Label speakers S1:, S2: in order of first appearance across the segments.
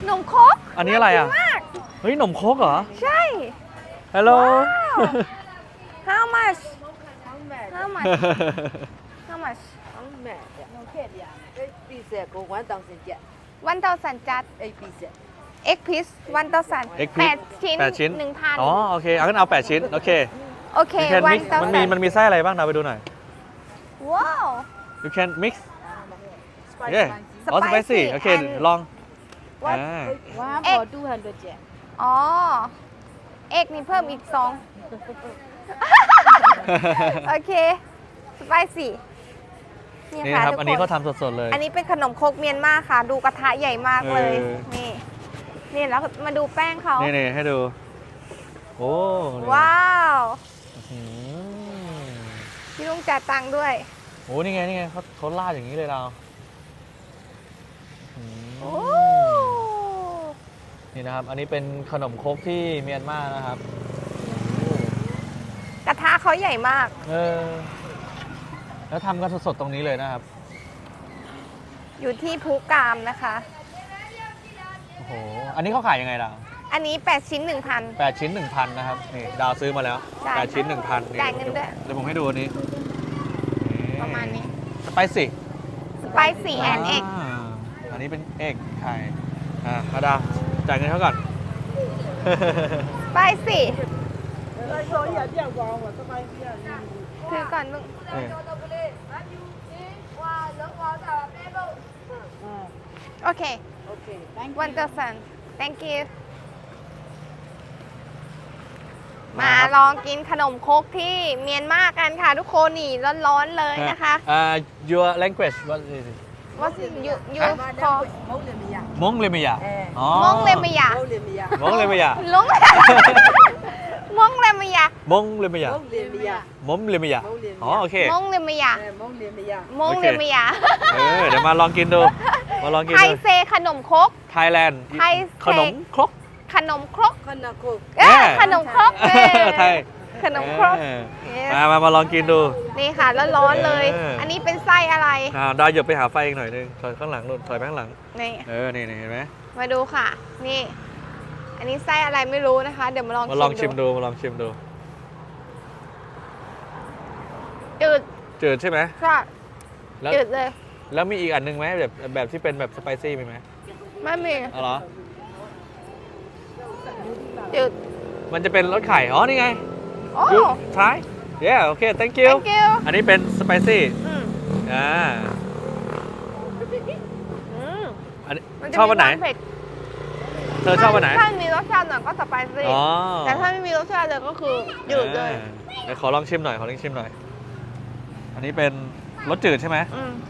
S1: ขนมครก
S2: อันนี้อะไรอ่ะ
S1: น่ากินมาก
S2: เฮ้ยขนมครกเหรอ
S1: ใช่
S2: ฮัลโหล
S1: How much How much How much วันเตาสันจัด X piece วันเตาสัน
S2: Egg piece
S1: 8 ชิ้น
S2: 8 ชิ้น
S1: 1,000
S2: อ๋อโอเคเอางั้นเอา8 ชิ้นโอเค
S1: โอเค
S2: You can
S1: วัน
S2: mix
S1: เตา
S2: มัน
S1: สั
S2: มี
S1: น
S2: มันมีไส้อะไรบ้างเราไปดูหน่อย
S1: ว้าว
S2: You can mix yeah อ๋อ spicy โอเค
S1: and
S2: ลอง
S1: what
S2: อ่า
S3: One for 200 yen.
S1: อ๋อ X นี่เพิ่มอีก 2 โอเค spicy นี่
S2: นี่
S1: ค่ะ
S2: นะครับ
S1: ทุก
S2: อันนี้
S1: ค
S2: เขา
S1: น
S2: ทำสดๆเลย
S1: อันนี้เป็นขนมครกเมียนมาค่ะ ดูกระทะใหญ่มากเลย นี่ นี่แล้วมาดูแป้งเขา
S2: นี่ให้ดู โอ้นี่
S1: ว้าว
S2: อืม
S1: พี่ลุงจ่ายตังค์ด้วย
S2: โอ้นี่ไงเขาลาดอย่างนี้เลยเราอืม
S1: โอ้
S2: นี่นะครับ อันนี้เป็นขนมครกที่เมียนมานะครับ
S1: กระทะเขาใหญ่มาก
S2: แล้วทำกันสดๆตรงนี้เลยนะครับ
S1: อยู่ที่ภูกามนะคะ
S2: โอ้โห อันนี้เขาขายยังไงล่ะ
S1: อันนี้ 8 ชิ้น 1,000
S2: 8 ชิ้น 1,000 นะครับ นี่ดาวซื้อมาแล้ว
S1: จ่าย
S2: 8 ชิ้น 1,000นี่
S1: จ่ายเงินด้วย
S2: เดี๋ยวผมให้ดูอันนี้
S1: ประมาณนี้
S2: สไปซี่
S1: spicy and egg
S2: อันนี้เป็นเอกไข่มาดาวจ่ายเงินเขาก่อน
S1: spicy ถือก่อนลุง
S2: นี่
S1: โอเค
S3: Okay, thank you.
S1: วันเตอร์สัน thank you มาลองกินขนมครกที่เมียนมากันค่ะทุกคนนี่ร้อนๆเลยนะคะ
S2: your language what is it
S1: What you call
S2: มงเลเมียอ๋อ
S1: มงเลมยาม
S2: งเลเมีย
S1: ลงมงเลมยาม
S2: งเลเมียมงเลเมียอ๋อโอเค
S1: มงเลมยามมงเลมยา
S2: เดี๋ยวมาลองกินดู มาลองกิน
S1: ไทย
S2: ดู
S1: เซขนมครก
S2: ไทยแลนด์
S1: ไทยเซ
S2: ขนมครก
S1: ขนมครก
S2: เอ้ย
S1: ขนมครก
S2: ไทย
S1: ขนมครก
S2: เออมาลองกินดู
S1: นี่ค่ะร้อนๆเลย อันนี้เป็นไส้อะไร
S2: ดาวเหยียบไปหาไฟอีกหน่อยนึงถอยข้างหลังนู่นถอยไปข้างหลัง
S1: นี่
S2: นี่เห็นไหม
S1: มาดูค่ะ นี่ อันนี้ไส้อะไรไม่รู้นะคะ เดี๋ยวมาลอง
S2: มาลองชิมดู มาลองชิมดู
S1: จืด
S2: จืดใช่ไหม
S1: ใช่
S2: แล้ว
S1: จืดเลย
S2: แล้วมีอีกอันหนึงไหมแบบที่เป็นแบบสไปซี่มีไหม
S1: ไม่มี
S2: อ๋อเหรอ
S1: จืด
S2: มันจะเป็นรสไข่ อ๋อ นี่ไง
S1: โอ้
S2: you try yeah okay thank you
S1: thank you
S2: อันนี้เป็นสไปซี่
S1: อืม
S2: อ่า
S1: อืม
S2: อันนี้
S1: มัจะ
S2: ชอบวันไหน
S1: มีความเผ็ด
S2: เธอชอบวันไหน
S1: ถ้ามีรสชาติหน่อยก็สไปซี่
S2: อ๋อ
S1: แต่ถ้าไม่มีรสชาติเลยก็คือจืดเลย
S2: เดี๋ยวขอลองชิมหน่อย ขอลองชิมหน่อย อันนี้เป็นรสจืดใช่ไหม
S1: อืม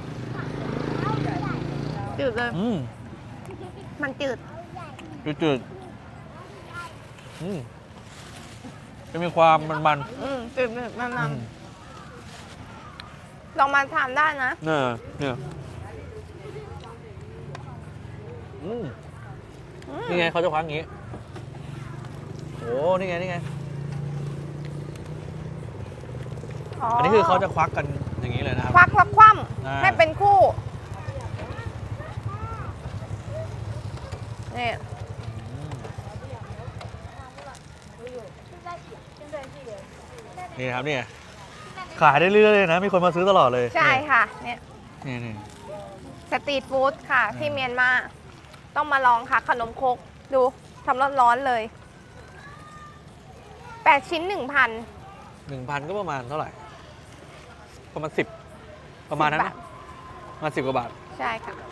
S1: จืดเลย
S2: อืม
S1: มันจืด
S2: จืดจะมีความมัน
S1: จืดๆมัน
S2: ๆ
S1: ๆลองมาทานได้นะ
S2: เนี่ยนี่ไงเขาจะคว้างอย่างนี้ โอ้นี่ไง อันนี้คือเขาจะควักกันอย่างนี้เลยนะครับ
S1: ควักแล้วคว่
S2: อ่า
S1: ำให้เป็นคู่นี่
S2: นี่ครับเนี่ยขายได้เรื่อยๆเลยนะ มีคนมาซื้อตลอดเลย
S1: ใช่ค่ะเนี่ย
S2: นี่
S1: สตรีทฟู้ดค่ะที่เมียนมาต้องมาลองค่ะ ขนมครกดูทำร้อนๆเลย 8 ชิ้น 1,000
S2: 1,000ก็ประมาณเท่าไหร่ ประมาณ10ประมาณนั้น
S1: 10 บา
S2: นะ
S1: ท
S2: ประมาณ10 กว่าบาท
S1: ใช่ค่ะ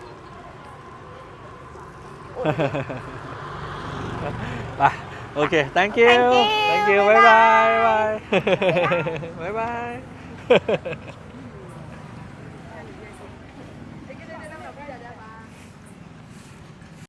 S2: ไปโอเค thank you
S1: Thank you
S2: thank you บ๊ายบายบ๊ายบาย